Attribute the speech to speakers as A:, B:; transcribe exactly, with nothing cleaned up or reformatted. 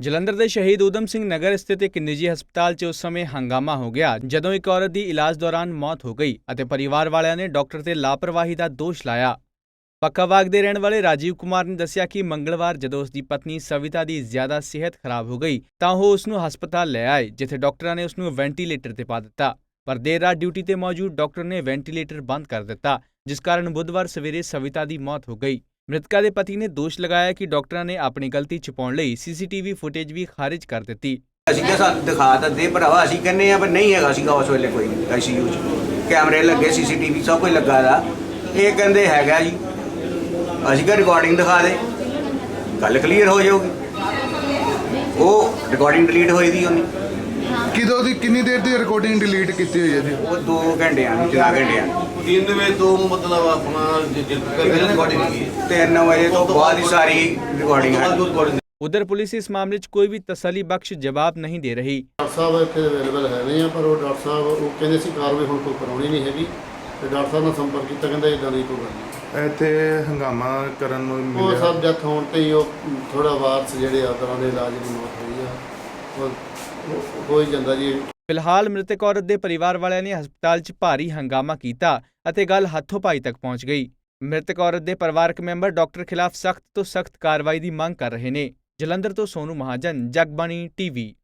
A: ਜਲੰਧਰ ਦੇ ਸ਼ਹੀਦ ਊਧਮ ਸਿੰਘ ਨਗਰ ਸਥਿਤ ਇੱਕ ਨਿੱਜੀ ਹਸਪਤਾਲ 'ਚ ਉਸ ਸਮੇਂ ਹੰਗਾਮਾ ਹੋ ਗਿਆ ਜਦੋਂ ਇੱਕ ਔਰਤ ਦੀ ਇਲਾਜ ਦੌਰਾਨ ਮੌਤ ਹੋ ਗਈ ਅਤੇ ਪਰਿਵਾਰ ਵਾਲਿਆਂ ਨੇ ਡਾਕਟਰ ਤੇ ਲਾਪਰਵਾਹੀ ਦਾ ਦੋਸ਼ ਲਾਇਆ। ਪੱਕਾਵਾਗ ਦੇ ਰਹਿਣ ਵਾਲੇ ਰਾਜੀਵ ਕੁਮਾਰ ਨੇ ਦੱਸਿਆ ਕਿ ਮੰਗਲਵਾਰ ਜਦੋਂ ਉਸ ਦੀ ਪਤਨੀ ਸਵਿਤਾ ਦੀ ਜ਼ਿਆਦਾ ਸਿਹਤ ਖਰਾਬ ਹੋ ਗਈ ਤਾਂ ਉਹ ਉਸ ਨੂੰ ਹਸਪਤਾਲ ਲੈ ਆਏ, ਜਿੱਥੇ ਡਾਕਟਰਾਂ ਨੇ ਉਸ ਨੂੰ ਵੈਂਟੀਲੇਟਰ ਤੇ ਪਾ ਦਿੱਤਾ। ਪਰ ਦੇਰ ਰਾਤ ਡਿਊਟੀ ਤੇ ਮੌਜੂਦ ਡਾਕਟਰ ਨੇ ਵੈਂਟੀਲੇਟਰ ਬੰਦ ਕਰ ਦਿੱਤਾ, ਜਿਸ ਕਾਰਨ ਬੁੱਧਵਾਰ ਸਵੇਰੇ ਸਵਿਤਾ ਦੀ ਮੌਤ ਹੋ ਗਈ। ਮ੍ਰਿਤਕਾ ਦੇ ਪਤੀ ਨੇ ਦੋਸ਼ ਲਗਾਇਆ ਕਿ ਡਾਕਟਰਾਂ ਨੇ ਆਪਣੀ ਗਲਤੀ ਛੁਪਾਉਣ ਲਈ ਸੀਸੀਟੀਵੀ ਫੁਟੇਜ ਵੀ ਖਾਰਿਜ ਕਰ ਦਿੱਤੀ।
B: ਅਸੀਂ ਕਿਹਾ ਸਾਨੂੰ ਦਿਖਾ ਤਾਂ ਦੇ ਭਰਾਵਾ, ਅਸੀਂ ਕਹਿੰਦੇ ਆ ਪਰ ਨਹੀਂ ਹੈਗਾ ਸੀਗਾ ਉਸ ਵੇਲੇ ਕੋਈ ਆਈਸੀਯੂ 'ਚ ਕੈਮਰੇ ਲੱਗੇ, ਸੀਸੀਟੀਵੀ ਸਭ ਕੁਝ ਲੱਗਾ ਦਾ। ਇਹ ਕਹਿੰਦੇ ਹੈਗਾ ਜੀ, ਅਸੀਂ ਕਿਹਾ ਰਿਕਾਰਡਿੰਗ ਦਿਖਾ ਦੇ, ਗੱਲ ਕਲੀਅਰ ਹੋ ਜਾਊਗੀ। ਉਹ ਰਿਕਾਰਡਿੰਗ ਡਿਲੀਟ ਹੋਈ ਦੀ ਉਹਨੇ।
C: ਕਿਦੋਂ ਦੀ ਕਿੰਨੀ ਦੇਰ ਦੀ ਰਿਕਾਰਡਿੰਗ ਡਿਲੀਟ ਕੀਤੀ ਹੋਈ ਹੈ ਜੀ?
B: ਉਹ ਦੋ ਘੰਟਿਆਂ ਨੂੰ ਚਾਰ ਘੰਟਿਆਂ
D: तीन में तो मतलब अपना रिकॉर्डिंग की
B: ਤਿੰਨ ਵਜੇ ਤੋਂ ਬਾਅਦ ਹੀ ਸਾਰੀ ਰਿਕਾਰਡਿੰਗ ਹੈ।
A: उधर पुलिस इस मामले 'ਚ ਕੋਈ ਵੀ ਤਸੱਲੀ ਬਖਸ਼ ਜਵਾਬ ਨਹੀਂ ਦੇ ਰਹੀ।
E: ਡਾਕਟਰ ਸਾਹਿਬ ਇੱਥੇ ਅਵੇਲੇਬਲ ਹੈ ਨਹੀਂ ਆ, ਪਰ ਉਹ ਡਾਕਟਰ ਸਾਹਿਬ ਉਹ ਕਹਿੰਦੇ ਸੀ ਕਾਰਵਾਈ ਹੁਣ ਕੋਈ ਕਰਾਉਣੀ ਨਹੀਂ ਹੈਗੀ, ਤੇ ਡਾਕਟਰ ਸਾਹਿਬ ਨਾਲ ਸੰਪਰਕ ਕੀਤਾ, ਕਹਿੰਦੇ ਇਦਾਂ ਦੀ ਕੋਈ ਗੱਲ ਨਹੀਂ।
C: ਇੱਥੇ ਹੰਗਾਮਾ ਕਰਨ ਨੂੰ
E: ਉਹ
C: ਮਿਲਿਆ।
E: ਸਭ ਡੈਥ ਹੋਣ ਤੇ ਹੀ ਉਹ ਥੋੜਾ ਵਾਰਸ ਜਿਹੜੇ ਆ ਤਰ੍ਹਾਂ ਦੇ ਇਲਾਜ ਦੀ ਮੌਤ ਹੋਈ ਆ, ਉਹ ਹੋ ਹੀ ਜਾਂਦਾ ਜੀ।
A: ਫਿਲਹਾਲ ਮ੍ਰਿਤਕ ਔਰਤ ਦੇ ਪਰਿਵਾਰ ਵਾਲਿਆਂ ਨੇ ਹਸਪਤਾਲ 'ਚ ਭਾਰੀ ਹੰਗਾਮਾ ਕੀਤਾ ਅਤੇ ਗੱਲ ਹੱਥੋਂ ਪਾਈ ਤੱਕ ਪਹੁੰਚ ਗਈ। ਮ੍ਰਿਤਕ ਔਰਤ ਦੇ ਪਰਿਵਾਰਕ ਮੈਂਬਰ ਡਾਕਟਰ ਖਿਲਾਫ ਸਖਤ ਤੋਂ ਸਖਤ ਕਾਰਵਾਈ ਦੀ ਮੰਗ ਕਰ ਰਹੇ ਨੇ। ਜਲੰਧਰ ਤੋਂ ਸੋਨੂ ਮਹਾਜਨ, ਜਗਬਾਣੀ ਟੀਵੀ।